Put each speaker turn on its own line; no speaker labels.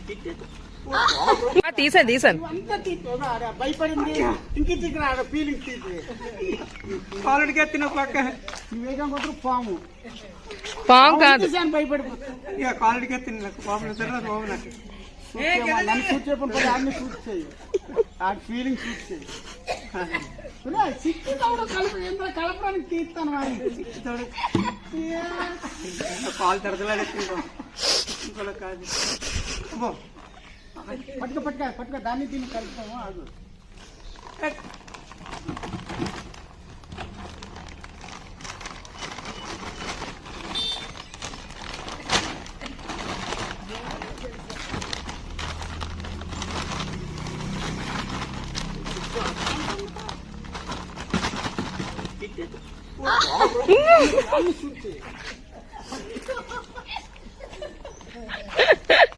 తీసాను
భయపడింది ఇంక ఆడ ఫీలింగ్ తీసి
కాలుడికి ఎత్తిన పక్క
నువ్వేగం కొట్టు పాము
కాదు
భయపడిపోతుంది
ఇక కాలుడికి ఎత్తిన పాము పాము నాకు
నన్ను షూట్ చేయకుండా ఆడిని షూట్ చేయి ఆడి ఫీలింగ్ షూట్ చేయి కలపడానికి తీస్తాను
కాలు తరదలాడు ఇంకోలో కాదు
పట్టుక దాన్ని దీన్ని కలుపుతాము ఆగు